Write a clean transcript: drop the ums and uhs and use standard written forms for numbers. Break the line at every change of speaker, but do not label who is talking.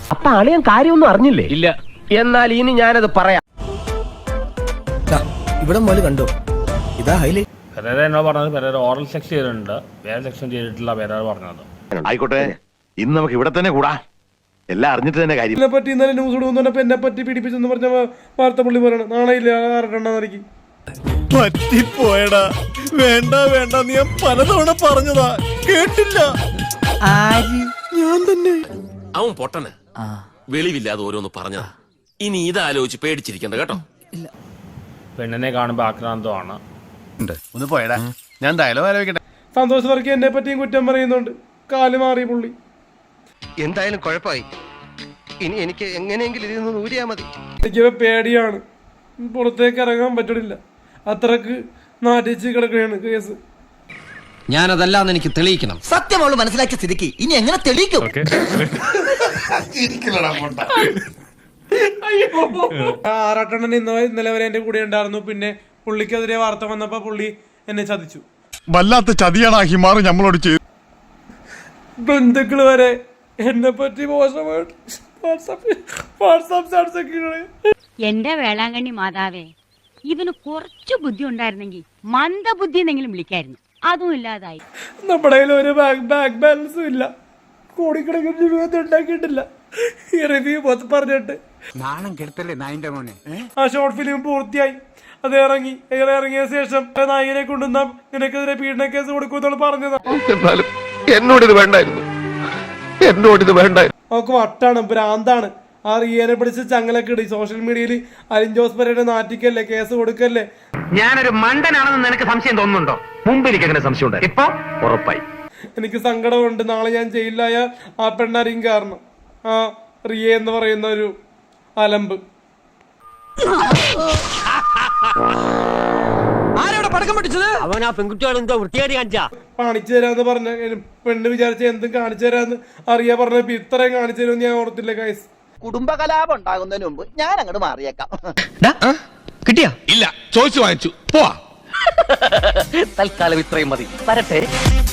അപ്പൊ അളിയൻ കാര്യമൊന്നും അറിഞ്ഞില്ലേ? ഇല്ല. എന്നാൽ ഇനി ഞാനത് പറയാം.
ഇവിടെ മോല് കണ്ടോ, ഇതാ ഹൈലൈറ്റ്.
പെരേര എന്നോ പറഞ്ഞത് പെരേര ഓറൽ സെക്സ് ചെയ്തിട്ടുണ്ട്, വേറെ സെക്ഷൻ ചെയ്തിട്ടില്ല പെരേര പറഞ്ഞത്.
ആയിക്കോട്ടെ, ഇന്ന് നമുക്ക് ഇവിടെ തന്നെ കൂടാ, എല്ലാം അറിഞ്ഞിട്ട് തന്നെ കാര്യം.
എന്നെ പറ്റി ഇന്നലെ ന്യൂസ് ഇടുന്നപ്പോ എന്നെ പറ്റി പീഡിപ്പിച്ചെന്ന് പറഞ്ഞ വാർത്ത പുള്ളി പറയണം. നാളെയില്ല ആർക്കെണ്ണാന്നിരിക്കും.
പറ്റിപ്പോയടാ, വേണ്ട വേണ്ട, നീ ഞാൻ പലതവണ പറഞ്ഞതാ, കേട്ടില്ല. ഞാൻ തന്നെ.
അവൻ പൊട്ടന് വെളിവില്ലാതെ ഓരോന്ന് പറഞ്ഞതാ. ഇനി ഇതാലോചിച്ച് പേടിച്ചിരിക്കണ്ട കേട്ടോ.
പെണ്ണിനെ കാണുമ്പോ ആക്രാന്തമാണ്.
ഒന്ന് പോയടാ, ഞാൻ ഡയലോഗ് ആലോചിക്കട്ടെ.
സന്തോഷ് വർക്കി എന്നെ പറ്റിയും കുറ്റം പറയുന്നുണ്ട്. കാല് മാറി പുള്ളി.
എന്തായാലും കുഴപ്പമായി. ഇനി എനിക്ക് എങ്ങനെയെങ്കിലും ഇതിൽ നിന്ന് ഊരിയാ മതി.
എനിക്ക് പേടിയാണ്, പുറത്തേക്ക് ഇറങ്ങാൻ പറ്റണില്ല. അത്രക്ക് നാട്ടിച്ച് കിടക്കുകയാണ് കേസ്.
ഞാനതല്ലാന്ന് എനിക്ക് തെളിയിക്കണം.
സത്യം അവള് മനസ്സിലാക്കിയ സ്ഥിതിക്ക് ഇനി എങ്ങനെ തെളിയിക്കും?
ആറാട്ടണ്ണൻ ഇന്നലെ വരെ എന്റെ കൂടെ ഉണ്ടായിരുന്നു. പിന്നെ പുള്ളിക്കെതിരെ വാർത്ത വന്നപ്പോ പുള്ളി എന്നെ ചതിച്ചു.
വല്ലാത്ത ചതിയാണ് ഹിമാറ് നമ്മളോട് ചെയ്തു.
ബന്ധുക്കള് വരെ എന്നെ പറ്റി മോശമായിട്ട് വാട്സാപ്പ്.
എന്റെ വേളാങ്കണ്ണി മാതാവേ, ഇവന് കുറച്ചു ബുദ്ധി ഉണ്ടായിരുന്നെങ്കിൽ മന്ദബുദ്ധി എന്നെങ്കിലും വിളിക്കായിരുന്നു. അതും ഇല്ലാതായി.
നമ്മുടെ കയ്യിൽ ഒരു ബാങ്ക് ബാലൻസും ഇല്ല. കോടിക്കണക്കിന് രൂപ ഉണ്ടാക്കിയിട്ടില്ല. ഈ റിവ്യൂ പറഞ്ഞിട്ട്
നാണം കെടുത്തല്ലേ നായിന്റെ മോനെ.
ആ ഷോർട്ട് ഫിലിം പൂർത്തിയായി. അത് ഇറങ്ങിയ ശേഷം നായകനെ കൊണ്ടുവന്ന നിനക്കെതിരെ പീഡന കേസ് കൊടുക്കുമെന്നാണ് പറഞ്ഞത്.
എന്നാലും എന്നോടിത് വേണ്ടായിരുന്നു.
അവക്ക് വട്ടാണ്, ഭ്രാന്താണ്. ആ റിയനെ പിടിച്ച് ചങ്ങലൊക്കെ ഇടി. സോഷ്യൽ മീഡിയയിൽ അലിൻ ജോസ് പെരേര നാറ്റിക്കല്ലേ, കേസ് കൊടുക്കല്ലേ.
ഞാനൊരു മണ്ടനാണെന്ന് നിനക്ക് സംശയം തോന്നുന്നുണ്ടോ? മുമ്പ് എനിക്ക് അങ്ങനെ സംശയം ഉണ്ട്, ഇപ്പൊ ഉറപ്പായി.
എനിക്ക് സങ്കടമുണ്ട്. നാളെ ഞാൻ ജയിലിലായ ആ പെണ്ണാരെയും കാരണം, ആ റിയ എന്ന് പറയുന്ന ഒരു അലമ്പ്.
അവൻ ആ പെൺകുട്ടികൾ എന്തോ വൃത്തിയായി കാണിച്ചാ
കാണിച്ചു തരാന്ന് പറഞ്ഞ പെണ്ണ് വിചാരിച്ച എന്തും കാണിച്ചു തരാന്ന് അറിയാ പറഞ്ഞപ്പോ ഇത്രയും കാണിച്ചു തരുമെന്ന് ഞാൻ ഓർത്തില്ല ഗൈസ്.
കുടുംബകലാപം ഉണ്ടാകുന്നതിന് മുമ്പ് ഞാൻ അങ്ങോട്ട് മാറിയേക്കാം.
കിട്ടിയാ?
ഇല്ല, ചോദിച്ചു വാങ്ങിച്ചു, പോവാ.
തൽക്കാലം ഇത്രയും മതി. വരട്ടെ.